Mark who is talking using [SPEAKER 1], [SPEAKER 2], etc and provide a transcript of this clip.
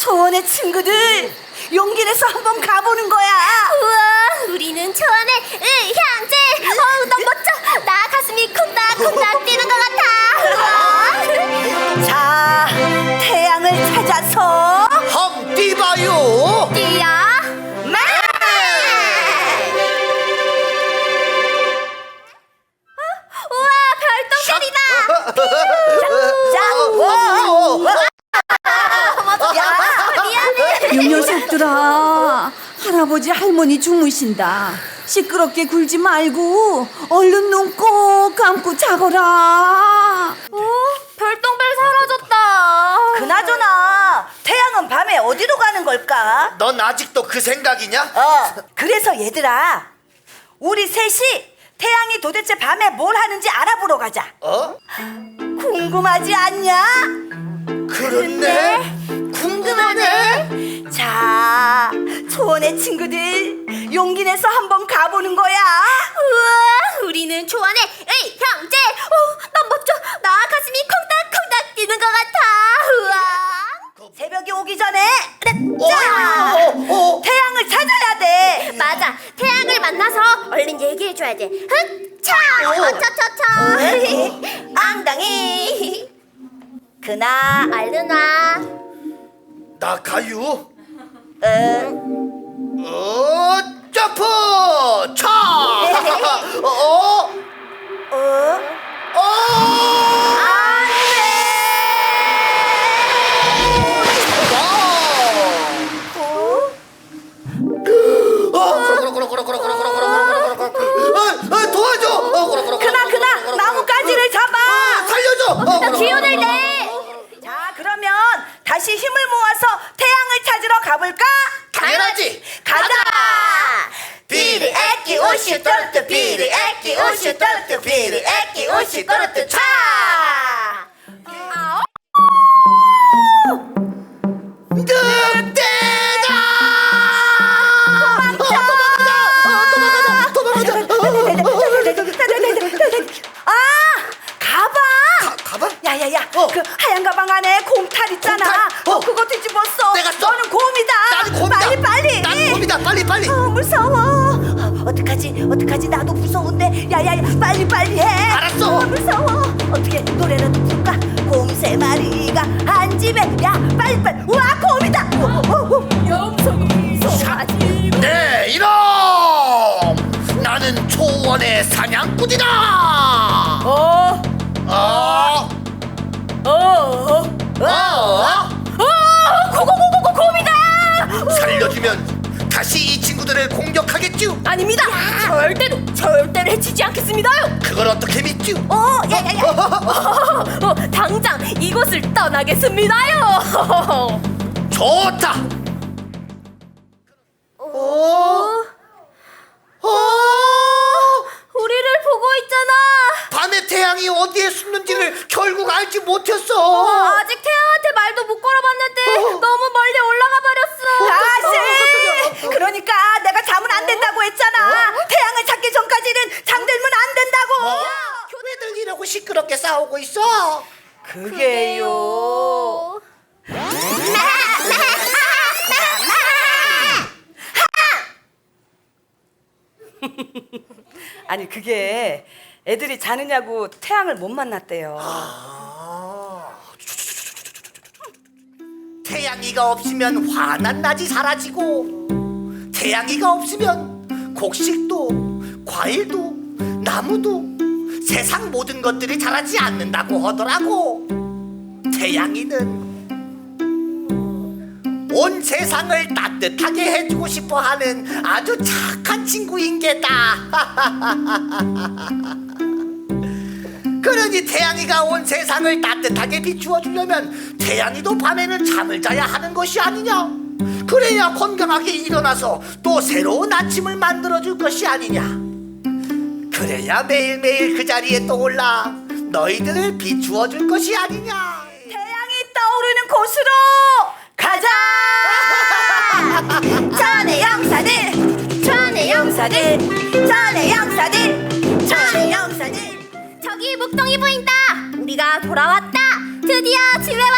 [SPEAKER 1] 초원의 친구들, 용기 내서 한번 가보는 거야.
[SPEAKER 2] 우와, 우리는 초원의 향제. 너무 멋져. 나 가슴이 콩닥콩닥 뛰는 것 같아.
[SPEAKER 1] 자, 태양을 찾아서
[SPEAKER 3] 함 뛰봐요.
[SPEAKER 2] 뛰어. 우와, 별똥별이다. 미안해.
[SPEAKER 4] 이 녀석들아, 할아버지 할머니 주무신다. 시끄럽게 굴지 말고 얼른 눈 꼭 감고 자거라.
[SPEAKER 2] 별똥별 사라졌다.
[SPEAKER 1] 그나저나 태양은 밤에 어디로 가는 걸까?
[SPEAKER 3] 넌 아직도 그 생각이냐?
[SPEAKER 1] 그래서 얘들아, 우리 셋이 태양이 도대체 밤에 뭘 하는지 알아보러 가자. 궁금하지 않냐?
[SPEAKER 3] 그렇네. 궁금하네.
[SPEAKER 1] 자, 초원의 친구들, 용기 내서 한번 가보는 거야.
[SPEAKER 2] 우와, 우리는 초원의 형제. 난 멋져. 나 가슴이 콩닥콩닥 뛰는 것 같아. 우와.
[SPEAKER 1] 새벽이 오기 전에 자, 태양을 찾아야 돼.
[SPEAKER 2] 맞아. 태양을 만나서 얼른 얘기해줘야 돼. 흑차! 차차차!
[SPEAKER 1] 앙당이. 그나
[SPEAKER 2] 얼른 와.
[SPEAKER 3] 나 가유.
[SPEAKER 1] 응.
[SPEAKER 3] 점프! 차! 도와줘!
[SPEAKER 1] 그나 나뭇가지를 잡아.
[SPEAKER 3] 살려줘!
[SPEAKER 2] 기운을 내.
[SPEAKER 1] 자, 그러면 다시 힘을 모아서 태양을 찾으러 가볼까?
[SPEAKER 3] 당연하지!
[SPEAKER 1] 가자.
[SPEAKER 3] 비리 애기 옷이 떨어뜨 비리 애기 옷이 떨어뜨 비리 애기 옷이 떨어뜨 차! 늑대다! 도망가자!
[SPEAKER 1] 아, 가방.
[SPEAKER 3] 가방?
[SPEAKER 1] 야야야, 그 하얀 가방 안에 곰탈 있잖아.
[SPEAKER 3] 곰탈?
[SPEAKER 1] 그거 뒤집었어.
[SPEAKER 3] 내가 써.
[SPEAKER 1] 너는 곰이다.
[SPEAKER 3] 나는 곰이다.
[SPEAKER 1] 빨리.
[SPEAKER 3] 나는 곰이다. 빨리.
[SPEAKER 1] 무서워. 어떡하지? 나도 무서운데. 야야야, 빨리 해.
[SPEAKER 3] 알았어.
[SPEAKER 1] 무서워. 어떻게 노래라도 부를까? 곰 세 마리가 한 집에. 야, 빨리. 우와, 곰이다.
[SPEAKER 2] 무서워하지.
[SPEAKER 3] 네, 이놈! 나는 초원의 사냥꾼이다!
[SPEAKER 2] 고고고고고곰이다.
[SPEAKER 3] 살려주면 다시 이 친구들을 공격하겠죠?
[SPEAKER 2] 아닙니다. 절대로 해치지 않겠습니다요.
[SPEAKER 3] 그걸 어떻게 믿죠?
[SPEAKER 1] 야야야.
[SPEAKER 2] 당장 이곳을 떠나겠습니다요.
[SPEAKER 3] 좋다!
[SPEAKER 2] 우리를 보고 있잖아.
[SPEAKER 3] 밤에 태양이 어디에 숨는지를 결국 알지 못했어.
[SPEAKER 2] 아직 태양한테 말도 못 걸어봤는데 너무 멀리 올라가 버렸어.
[SPEAKER 1] 아씨, 그러니까 내가 자면 안 된다고 했잖아. 태양을 찾기 전까지는 잠들면 안 된다고.
[SPEAKER 3] 교내들 이러고 시끄럽게 싸우고 있어.
[SPEAKER 1] 그게요. 아니, 그게 애들이 자느냐고 태양을 못 만났대요.
[SPEAKER 3] 태양이가 없으면 환한 낮이 사라지고, 태양이가 없으면 곡식도 과일도 나무도 세상 모든 것들이 자라지 않는다고 하더라고. 태양이는 온 세상을 따뜻하게 해주고 싶어하는 아주 착한 친구인 게다. 그러니 태양이가 온 세상을 따뜻하게 비추어 주려면 태양이도 밤에는 잠을 자야 하는 것이 아니냐. 그래야 건강하게 일어나서 또 새로운 아침을 만들어 줄 것이 아니냐. 그래야 매일매일 그 자리에 떠올라 너희들을 비추어 줄 것이 아니냐.
[SPEAKER 1] 태양이 떠오르는 곳으로 가자. 전의 영사들.
[SPEAKER 2] 저기 목동이 보인다. 우리가 돌아왔다. 드디어 집에